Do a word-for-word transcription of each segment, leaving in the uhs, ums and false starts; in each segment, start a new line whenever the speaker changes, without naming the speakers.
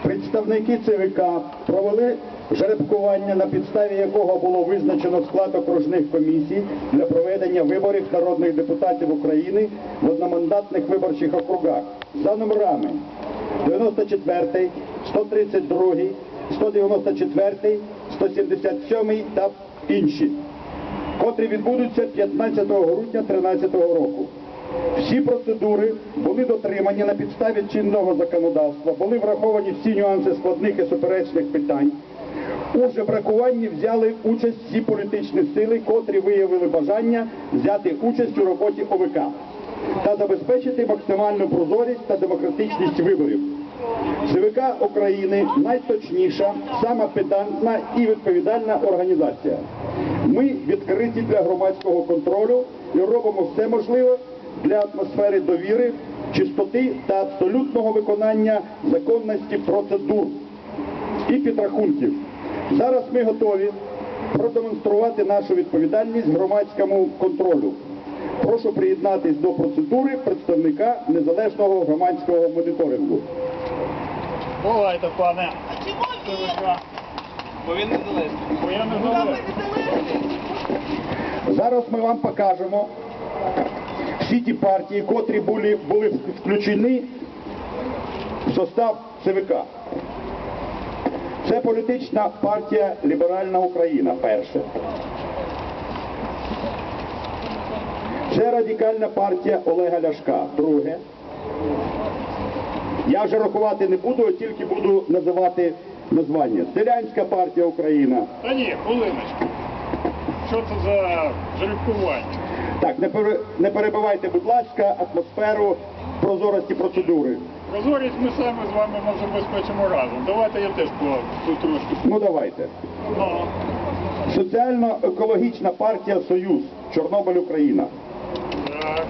Представники ЦВК провели жеребкування, на підставі якого було визначено склад окружних комісій для проведення виборів народних депутатів України в одномандатних виборчих округах за номерами дев'яносто четвертий, сто тридцять другий, сто дев'яносто четвертий, сто сімдесят сьомий та інші, котрі відбудуться п'ятнадцятого грудня дві тисячі тринадцятого року. Всі процедури були дотримані на підставі чинного законодавства, були враховані всі нюанси складних і суперечних питань. У жебракуванні взяли участь всі політичні сили, котрі виявили бажання взяти участь у роботі ОВК та забезпечити максимальну прозорість та демократичність виборів. ЦВК України – найточніша, сама педантна і відповідальна організація. Ми відкриті для громадського контролю і робимо все можливе для атмосфери довіри, чистоти та абсолютного виконання законності процедур і підрахунків. Зараз ми готові продемонструвати нашу відповідальність громадському контролю. Прошу приєднатись до процедури представника незалежного громадського моніторингу.
Бувайте, пане.
А чому ні?
Бо він незалежний. Бо я незалежний.
Зараз ми вам покажемо всі ті партії, котрі були, були включені в состав ЦВК. Це політична партія «Ліберальна Україна» – перше. Це радикальна партія Олега Ляшка – друге. Я вже рахувати не буду, а тільки буду називати названня. Селянська партія «Україна».
Та ні, хвилиночку. Що це за жеребкування?
Так, не, пере, не перебивайте, будь ласка, атмосферу прозорості процедури.
Прозорість ми самі з вами забезпечимо разом. Давайте я теж по тут трошки.
Ну давайте.
Ну.
Соціально-екологічна партія «Союз», Чорнобиль, Україна.
Так.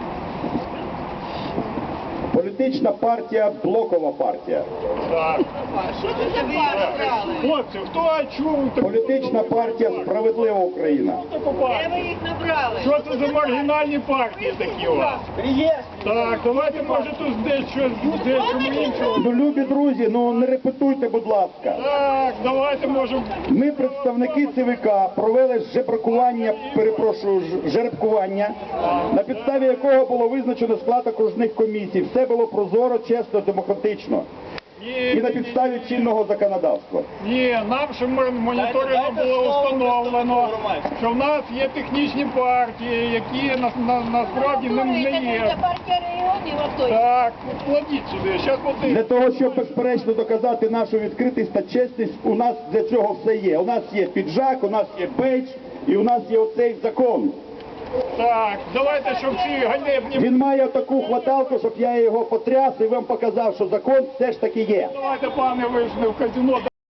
Політична партія «Блокова партія».
Так.
Що це за партія?
Хлопці, хто чув?
Політична партія «Справедлива Україна».
Де ви їх набрали?
Що це за маргінальні партії такі у вас? Так, давайте, може, тут десь щось, десь чому іншого.
Ну, любі друзі, ну не репетуйте, будь ласка.
Так, давайте, може...
Ми, представники ЦВК, провели жебракування, перепрошую, ж- жеребкування, на підставі якого було визначено склад окружних комісій. Все було прозоро, чесно, демократично.
Ні,
І на підставі чинного законодавства.
ні, нам ще моніторингом було встановлено, що в нас є технічні партії, які на, на, насправді не, не
Це
є.
партія регіонів, а той.
Так, кладіть сюди, зараз
Для
подивимось.
того, щоб безперечно доказати нашу відкритість та чесність, у нас для цього все є. У нас є піджак, у нас є бейдж і у нас є оцей закон.
Так, давайте, щоб ці ганебні...
Він має таку хваталку, щоб я його потряс і вам показав, що закон все ж таки є.
Давайте, пане, ви ж не в казино,